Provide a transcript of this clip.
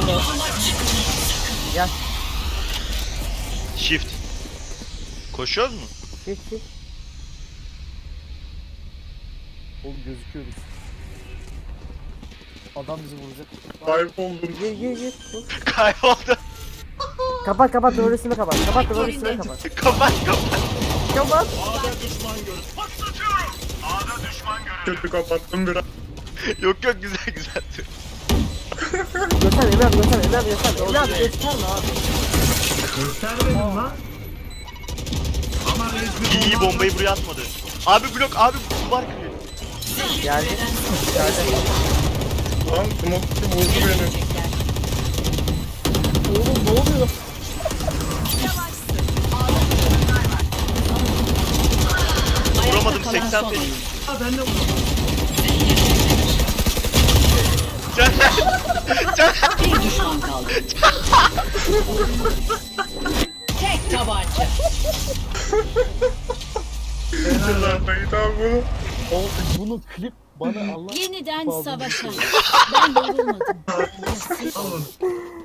Gel. Shift. Koşuyoruz mu? Shift. Oğlum gözüküyoruz. Adam bizi vuracak. Kayboldum. Gir. Kayboldu. Kapat doğrusunu kapat. Kapat doğrusunu kapat. Kapat. Kapat. Kötü kapattım biraz. Yok güzel. Göster Emre abi göster. Emre abi gösterme abi. Göstermedim lan. Ama İyi bombayı buraya atmadı. Abi blok abi duvar kırıyor. Geldi. Lan smoke vurdu beni. Oğlum ne oluyor? Vuramadım 80 feet. ben de vurdum. Bir düşman kaldı. Tek tabanca. Yıllardaydı abi bunu. Oğlum bunu klip bana Allah. Yeniden Bağlı. savaşalım. Ben yorulmadım. Alın.